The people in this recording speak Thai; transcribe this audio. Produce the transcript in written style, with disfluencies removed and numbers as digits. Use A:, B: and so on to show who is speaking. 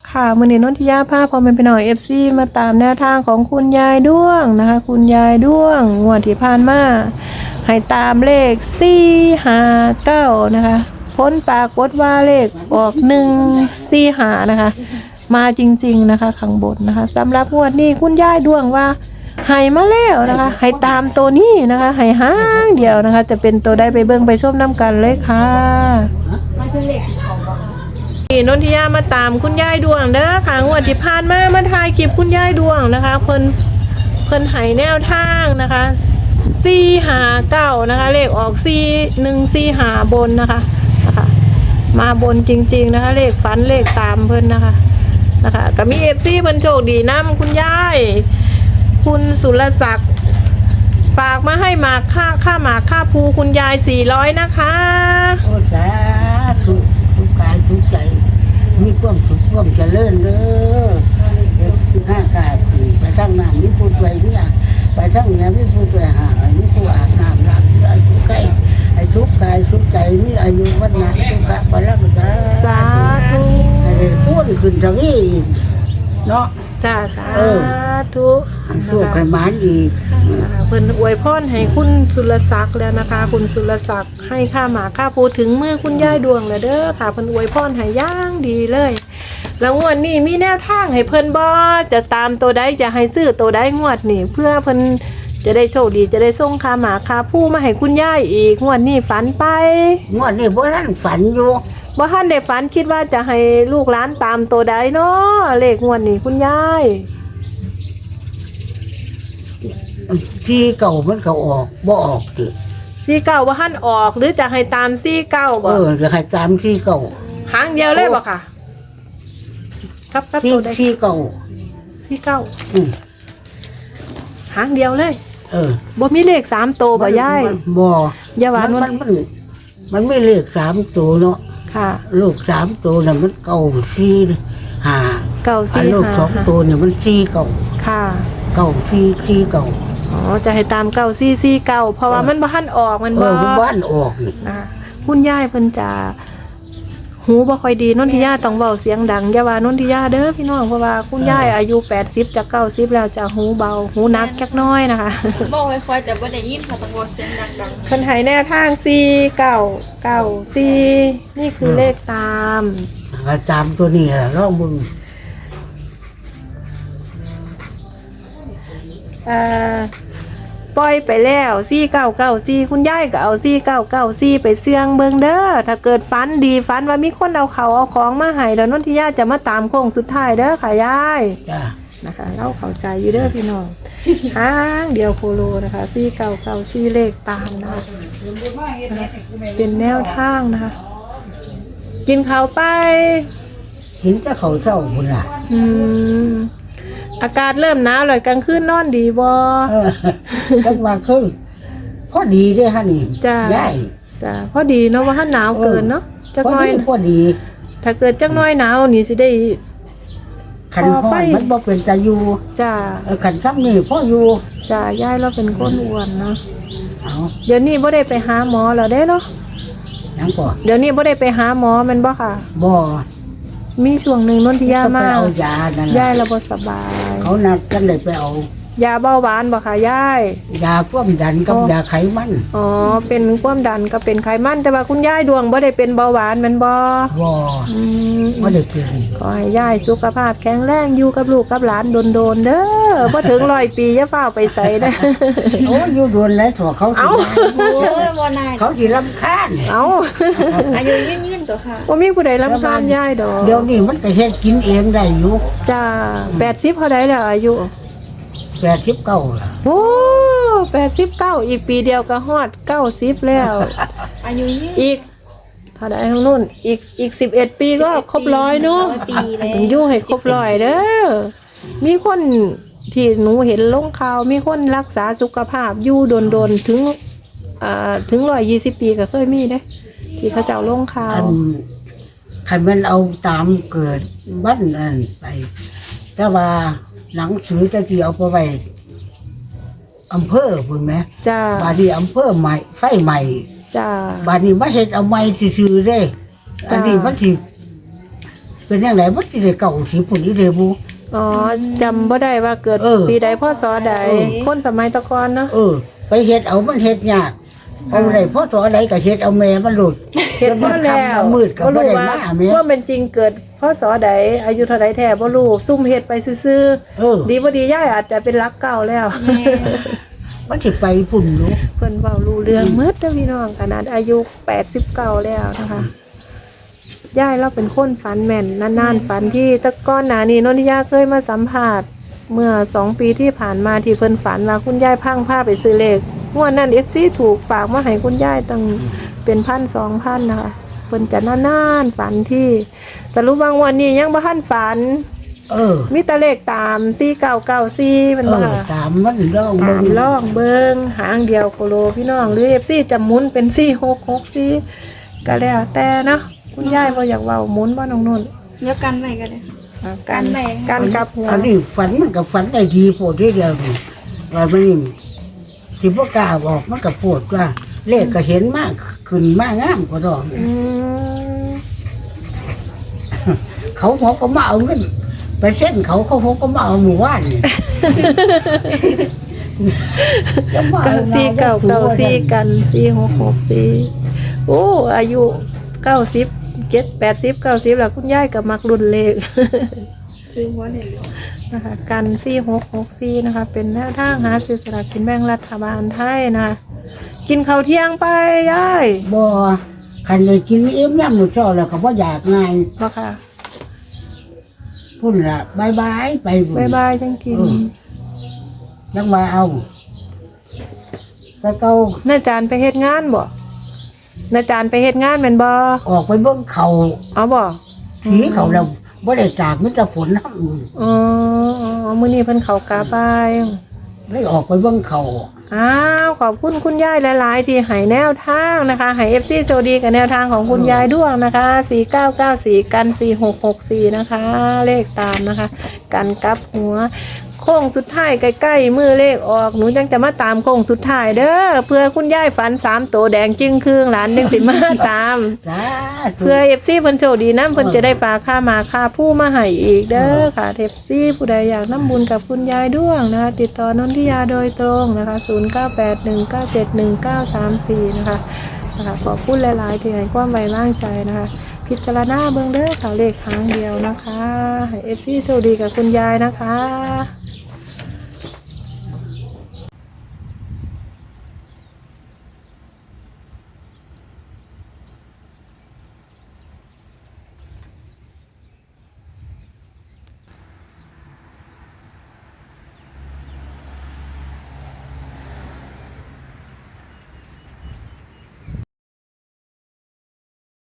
A: ค่ะมื้อนี้นนทิยาพาพ่อแม่พี่น้อง FC มาตามแนวทางของคุณยายด้วงนะคะคุณยายด้วงงวดที่ผ่านมาให้ตามเลข459นะคะผลปรากฏว่าเลขออก145นะคะมาจริงๆนะคะข้างบนนะคะสำหรับงวดนี้คุณยายด้วงว่าให้มาแล้วนะคะให้ตามตัวนี้นะคะให้หางเดียวนะคะจะเป็นตัวได้ไปเบิ่งไปชมน้ำกันเลยค่ะนี่นนทิยามาตามคุณยายดวงเด้อค่ะงวดที่ผ่านมาถ่ายคลิปคุณยายดวงนะคะเพิ่นให้แนวทางนะคะ459นะคะเลขออก4145บนนะคะมาบนจริงๆนะคะเลขฝันเลขตามเพิ่นนะคะก็มี FC เพิ่นโชคดีนำคุณยายคุณสุรศักดิ์ฝากมาให้หมากค่าหมากค่าภูคุณยาย400นะคะ
B: โอ้สาธุทุกกายทุกใจมีความสุขความเจริญเด้อห้ากายไปทั้งน้ำมีผู้ช่วยที่อ่ะไปทั้งเนี้ยมีผู้ช่วยหามีผู้อาบน้ำล้างเสื้อทุกใกล้ไอ้ทุกกายทุกใจมีอายุวัฒนะทุกขะบาลังสาธุไอ้พูดขึ้นทางนี้เนาะ
A: จ้าสาธุ
B: สู้ไขมันอีก
A: เพิ่นอวยพรให้คุณสุรศักดิ์แล้วนะคะคุณสุรศักดิ์ให้ค่าหมาค่าปูถึงมือคุณยายดวงแล้วเด้อค่ะเพิ่นอวยพรให้ย่างดีเลยแล้วงวดนี้มีแนวทางให้เพิ่นบ่จะตามตัวใดจะให้ซื้อตัวใดงวดนี้เพื่อเพิ่นจะได้โชคดีจะได้ส่งค่าหมาค่าปูมาให้คุณยายอีกงวดนี้ฝันไป
B: งวดนี้บ่ทันฝันอยู่
A: บ่ทันได้ฝันคิดว่าจะให้ลูกหลานตามตัวใดเนาะเลขงวดนี้คุณยาย
B: ที่เก่ามันก็ออกบ่ออกติ
A: 49บ่ทันออกหรือจะให้ตาม49บ่
B: จะให้ตามที่เก่า
A: หางเดียวเลยบ่ค่ะครับตัวใด
B: ที่เก่า
A: หางเดียวเลยบ่มีเลข3ตัวบ่ยาย
B: บ่
A: อย่าว่า
B: มันไม่เลข3ตัวเนาะ
A: ค่ะ
B: ลูก3ตัวน่ะมันเก่า4 5ลูก2ตัวเนี่ยมัน4เก่า
A: ค่ะ
B: เก่า4เก่า
A: อ๋อจะให้ตาม9449เพราะว่ามันบ่ทันออกมัน
B: บ่บ้านออกนี่
A: คุณยายเพิ่นจะหูบ่ค่อยดีนนทิยาต้องเว้าเสียงดังอย่าว่านนทิยาเด้อพี่น้องเพราะว่าคุณยายอายุ80จะ90แล้วจะหูเบาหูหนักจักน้อยนะคะ
C: บอกไว้ค่อยจะบ่ได้ยินค่ะต้องเว้าเสียงดังๆ
A: เพิ่นให้แนวทาง4994นี่คือเลขตาม
B: ตัวนี้ล่ะลองมึง
A: ปล่อยไปแล้ว4994คุณยายก็เอา4994ไปเสี่ยงเบิ่งเด้อถ้าเกิดฝันดีฝันว่ามีคนเอาของมาให้แล้วนนทิยาจะมาตามโค้งสุดท้ายเด้อค่ะยาย
B: จ้ะ
A: นะคะเราเข้าใจอยู่เด้อพี่น้องหางเดียวโคโลนะคะ4994เลขตามนะคะเป็นแนวทางนะคะกินข้าวไป
B: เห็นแต่เขาเศร้าพุ่นล่ะ
A: อากาศเริ่มหนาวเลยกลางคืนนอนดีบ่
B: จังว่าคือพอดีเด้อฮะนี่
A: จ้าพอดีเนาะว่าหนาวเกินเนาะจักหน่อย
B: พอดี
A: ถ้าเกิดจักหน่อยหนาวนี่สิได้
B: ขันห้อยมันบ่เป็นตาอยู่
A: จ้า
B: ขันซ้ำนี่พ่ออยู่
A: จ้ายายเราเป็นคนอ้วนเนาะเดี๋ยวนี้บ่ได้ไปหาหมอแล้วเด้เนาะ
B: ยังก่อน
A: เดี๋ยวนี้บ่ได้ไปหาหมอแม่นบ่ค่ะ
B: บ่
A: มีช่วงหนึ่งนนทิยามา
B: เอายานั่น
A: ยายเราบ่สบาย
B: เขานัดกันเลยไปเอา
A: ยาเบาหวานบ่ค่ะยาย
B: ยาความดันกับยาไขมัน
A: อ๋อเป็นความดันกับเป็นไขมันแต่ว่าคุณยายดวงบ่ได้เป็นเบาหวานแม่นบ่
B: บ่ได้เป็น
A: ขอให้ยายสุขภาพแข็งแรงอยู่กับลูกกับหลานโดนๆเด้อบ่ถึง100ปีอย่าฟ้าวไปไสเด้อ
B: โอ้อยู่โดนแล้วตัวเขาเขาสิรำคาญ
C: อายุยืนๆตัวค่ะ
A: บ่มีผู้ใดรำคาญยายดอก
B: เดี๋ยวนี้มันก็เฮ็ดกินเองได้อยู่
A: จ้า80เท่าใดแล้วอายุ
B: 89ล่ะ
A: โอ้89อีกปีเดียวก็ฮอด90แล้ว
C: อายุยืน
A: อีกเท่าใดทางนู้นอีก11ปีก็ครบ100เนาะต้องอยู่ให้ครบ100เด้อมีคนที่หนูเห็นลงข่าวมีคนรักษาสุขภาพอยู่โดนถึง120ปีก็เคยมีเด้ที่เขาเจ้าลงข่าว
B: ใครมันเอาตามเกิดบ้านนั่นไปแต่ว่าหนังสือตะกี้เอาไปไว้อำเภอพุ่นไหม
A: จ้า
B: บาดนี้อำเภอใหม่ไฟใหม่
A: จ้า
B: บาดนี้มาเฮ็ดเอาใหม่ซื่อๆเด้อันนี้มันสิเป็นยังไงบ่สิได้เก่าสิปุ่นนี่เด้บุ
A: อ๋อจำบ่ได้ว่าเกิด
B: เออ
A: ปีใดพศใด
B: เออ
A: คนสมัยตะกอนเนาะ
B: ไปเฮ็ดเอามันเฮ็ดยากเอาได้พอสอใดก็เฮ็ดเอาแม่มันหลุด
A: เห็นบ่แล้ว
B: มืดก็บ่ได้มาแม่
A: ว่าเป็นจริงเกิดพศใดอายุเท่าใดแท้บ่รู้ซุ่มเฮ็ดไปซื่อ
B: เออ
A: ๆดีบ่ดียายอาจจะเป็นรักเก่าแล้ว
C: แม่
B: มันสิไปพุ่นอยู่
A: เพิ่นเว้ารู้เรื่องหมืดเด้อพี่น้องขนาดอายุ89แล้วนะคะยายเราเป็นคนฝันแม่นนานๆฝันที่แตะก้อนหน้านี้นนทิยาเคยมาสัมภาษณ์เมื่อ2 ปีที่ผ่านมาที่เพิ่นฝันว่าคุณยายพังผ้าไปซื้อเลขงวดนั้น FC ถูกฝากมาให้คุณยายตั้งเป็น1,000-2,000นะคะเพิ่นจะนานๆฝันที่สรุปว่างวดนี้ยังบ่ทันฝัน มีแต่เลขตาม4994มันบ่ค่ะ
B: ตามมันร้อง
A: ตา
B: เบิ่
A: ม
B: ง
A: ล่องเบิงหางเดียวโคโลพี่น้องหรือ FC จะหมุนเป็น4664ก็แล้วแต่เนาะคุณยายบ่อยากเว้าหมุนบ่น้องนุ่น
C: เดี๋ยวกันไว้กันเลย
A: การ
C: แบ่ง
A: การกลับหัว
B: อันนี้ฝันมันก็ฝันได้ดีโพดทีเดียวนี่ว่ามันนี่สิบ่กล้าบอกมันก็โพดว่าเลขก็เห็นมากขึ้นมากงามกว่าดอก
A: อืม
B: เขาก็มาเอาเงินไปเส้นเขาก็มาเอาหมู่บ้านนี่ จะมา
A: กัน
B: เอา
A: 4994กัน4664โอ้อายุ90 80 90แล้วคุณยายก็มักรุ่นเลข
C: ซื้อหัวได้เลย
A: นะคะกัน4664นะคะเป็นแนวทางหาซื้อสลากกินแบ่งรัฐบาลไทยนะกินข้าวเที่ยงไปยาย
B: บ่คันเลยกินเอ็มยามมื้อเช้าแล้วก็บ่อยากง่าย
A: บ่ค่ะ
B: พุ่นล่ะบายไปพุ่น
A: บายบายจังกิน
B: ยังว่าเอาแต่เก่า
A: น้าจานไปเฮ็ดงานบ่น้าจานไปเฮ็ดงานแม่นบ่
B: ออกไปเบิ่งเขา
A: เอาบ่
B: ถีเขาแล้วบ่ได้จากมิตรฝนน้ำมือ
A: อ๋อมื้อนี้เพิ่นเข้ากาบาย
B: เลยออกไปเบิ่งเขา
A: อ้าวขอบคุณคุณยายหลายๆที่ให้แนวทางนะคะให้ FC โชคดีกับแนวทางของคุณยายด้วงนะคะ4994กัน4664นะคะเลขตามนะคะกันกลับหัวโค้งสุดท้ายใกล้ๆมือเลขออกหนูจังจะมาตามโค้งสุดท้ายเด้อเพื่อคุณยายฝัน3ตัวแดงจึงครึ่งหลานจังสิมาตาม
B: จ้า
A: เพื่อ FC เพิ่นโชคดีนำเพิ่นจะได้ฝากค่ามาค่าผู้มาให้อีกเด้อค่ะ FC ผู้ใดอยากนำบุญกับคุณยายด้วงนะคะติดต่อนนทิยาโดยตรงนะคะ0981971934นะคะขอบคุณหลายๆที่ให้ความไว้วางใจนะคะพิจารณาเบิ่งเด้อค่ะเลขครั้งเดียวนะคะให้ FC โชคดีกับคุณยายนะคะ